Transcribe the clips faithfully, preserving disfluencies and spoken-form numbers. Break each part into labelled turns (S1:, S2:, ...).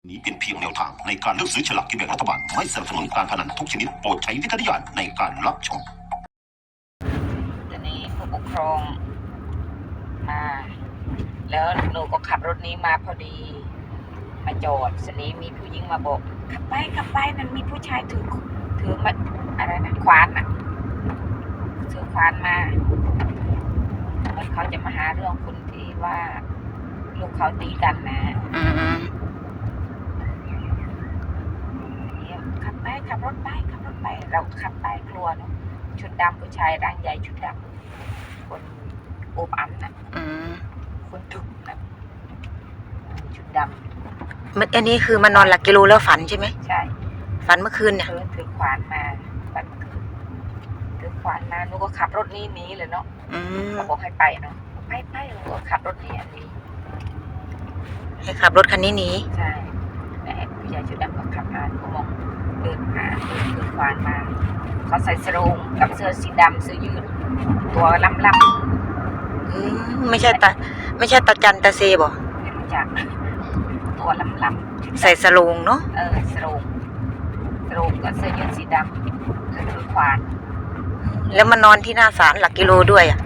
S1: นี้เป็นเพียงแนวทางในการเลือกซื้อฉลากกินแบ่งรัฐบาลไม่สนับสนุนการพนันทุกชนิดโปรดใช้วิจารณญาณในการรับชม
S2: ตอนนี้ผู้ปกครองมาแล้วหนูก็ขับรถนี้มาพอดีมาจอดสนี้มีผู้หญิงมาบอกขับไปขับไปมันมีผู้ชายถือถือมาอะไรนะขวานอ่ะถือขวานมาแล้วเขาจะมาหาเรื่องคนที่ว่าลูกเขาตีกันนะ
S3: อืม
S2: ขับไปขับรถไปขับรถไปเราขับไปกลัวเนาะชุดดำผู้ชายร่างใหญ่ชุดดำคนโอบอันนะคนทุกนะชุดดำ
S3: มันอันนี้คือมานอนหลักกิโลแล้วฝันใช่ไหม
S2: ใช่
S3: ฝันเมื่อคืนเนี่ย
S2: ถือถือขวานมาฝันเมื่อคืนถือขวานมาหนูก็ขับรถนี้นี้เลยเนาะเขาบอกให้ไปเนาะไปไปหนูก็ขับรถนี้อันนี้
S3: ให้ขับรถคันนี้หนี
S2: ใช่แต่ผู้ชายชุดดำก็ขับมาเขามองเดินหาเดินถือขวานมาเขาใส่สโรงกับเสื้อสีดำเสื้อยืดตัวลำลำ
S3: อืมไม่ใช่ตาไม่ใช่ตาจันตาเซบ่
S2: ไม่รู้จักตัวลำล
S3: ำใส่สโรงเนาะ
S2: เออสโรงสโรงกับเสื้อยืดสีดำแล้วถือขวาน
S3: แล้วมานอนที่หน้าศาลหลักกิโลด้วยอ่ะ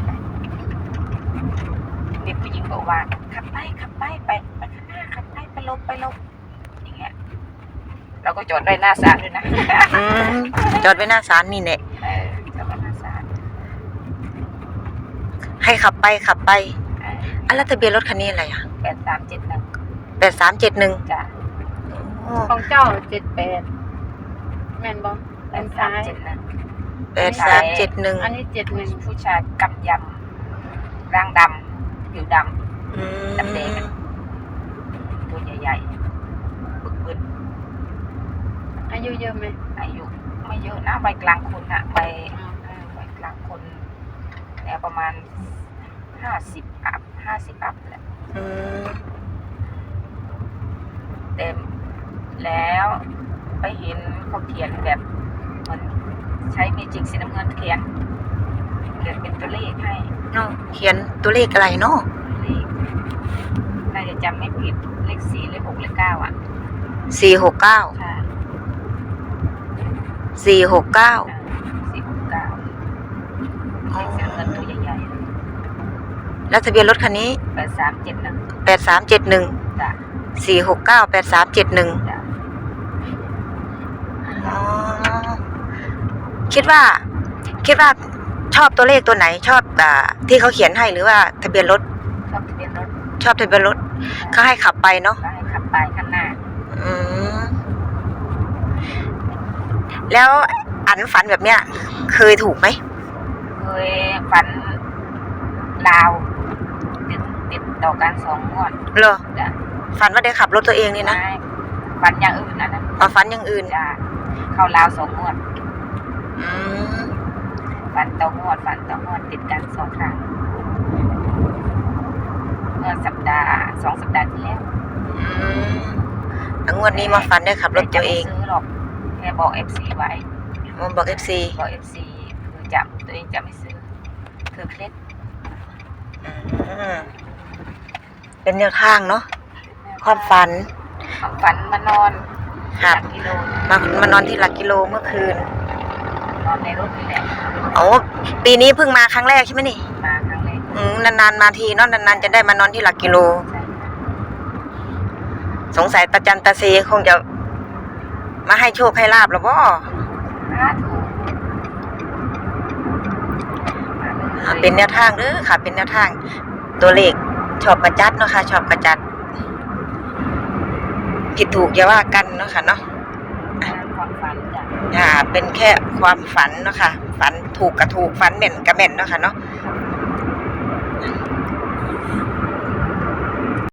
S2: เด็กผู้หญิงบอกว่าขับไปขับไปไปไปข้างหน้าขับไปไปลบไปลบอย่างเงี้ยเราก็จอดไว้หน้าศาลด้วยนะ
S3: จอดไว้หน้าศาลนี่เนี่ย
S2: จอดไว้หน้าศาล
S3: ให้ขับไปขับไปอันแล้วทะเบียนรถคันนี้อะไรอ่ะ
S2: แปดสามเจ็ดหนึ่ง
S3: แปดสามเจ็ดหนึ่ง
S2: จ้ะ
S4: ของเจ้าเจ็ดแปดแม่นบ่
S2: แปดสามเจ็ดหนึ่ง
S3: แปดสามเจ็ดหนึ่ง
S4: อันนี้เจ็ดหนึ่ง
S2: ผู้ชายกำยำร่างดำผิวดำดำแดงตัวใหญ่ๆบึกบึน
S4: อายุเยอะไหม
S2: อายุไม่เยอะนะใบกลางคนอะใบใบกลางคนแล้วประมาณห้าสิบอัพห้าสิบอัพแหละเต็มแล้วไปเห็นเขาเขียนแบบมันใช้เมจิกสีน้ำเงินเขียนเขียนเป็นตัวเลขให้
S3: เนาะเขียนตัวเลขอะไรเนาะ
S2: เลขน่าจะจำไม่ผิดเลขสี่เลขหกเลขเก้าอ่ะ
S3: สี่หกเก้า
S2: ใช่
S3: สี่หกเก้า
S2: สี่หกเก้าเลขสีน้ำเงินตัวใหญ่ๆ
S3: แล้วทะเบียนรถคันนี้
S2: แปดสามเจ็ดหนึ่ง
S3: แปดสามเจ็ดหนึ่ง
S2: จ้ะ
S3: สี่หกเก้าแปดสามเจ็ดหนึ่งคิดว่าคิดว่าชอบตัวเลขตัวไหนชอบอ่าที่เขาเขียนให้หรือว่าทะเบียนรถ
S2: ชอบทะเบียนรถ
S3: ชอบทะเบียนรถเขาให้ขับไปเนาะ
S2: ให้ขับไปข้างหน้า
S3: อืมแล้วอันฝันแบบเนี้ยเคยถูกไหม
S2: เคยฝันลาวติดติดต่อกันสองงวด
S3: เหรอฝันว่าได้ขับรถตัวเองนี่นะ
S2: ฝันอย่างอื่นนะนะ
S3: อ๋อฝันอย่างอื่น
S2: จ้ะเข้าลาวสองงวด
S3: อืม
S2: ฝันต่องวดฝันต่องวดติดกันสองครั้งเมื่อสัปดาห์สองสัปดาห์ที่แล้ว
S3: อืมแล้วงวดนี้มาฝันได้ขับรถตัวเอง
S2: ซื้อหรอกแค่บอกเอฟซีไว้
S3: มันบอกเอฟซี
S2: บอกเอฟซีคือจำตัวเองจะไม่ซื้อคือเคล็ด
S3: เป็นแนวทางเนาะความฝัน
S2: ความฝันมานอน
S3: หลักกิโลมามานอนที่หลักกิโลเมื่อคืน
S2: นอนในรถนี่แหละ
S3: โอ้ปีนี้เพิ่งมาครั้งแรกใช่ไหมนี่
S2: มาครั้งแรก
S3: อืมนานๆมาทีเนาะนานๆจะได้มานอนที่หลักกิโลสงสัยตาจันตาเซคงจะมาให้โชคให้ลาบแล้วบ่เป็นแนวทางเด้อค่ะเป็นแนวทางตัวเลขชอบกระจัดเนาะค่ะชอบกระจัดผิดถูกอย่าว่ากันเนาะค่ะเนาะ
S2: ความฝันจ้ะ
S3: อ่าเป็นแค่ความฝันเนาะค่ะฝันถูกกับถูกฝันแม่นกับแม่นเนาะค่ะเนาะ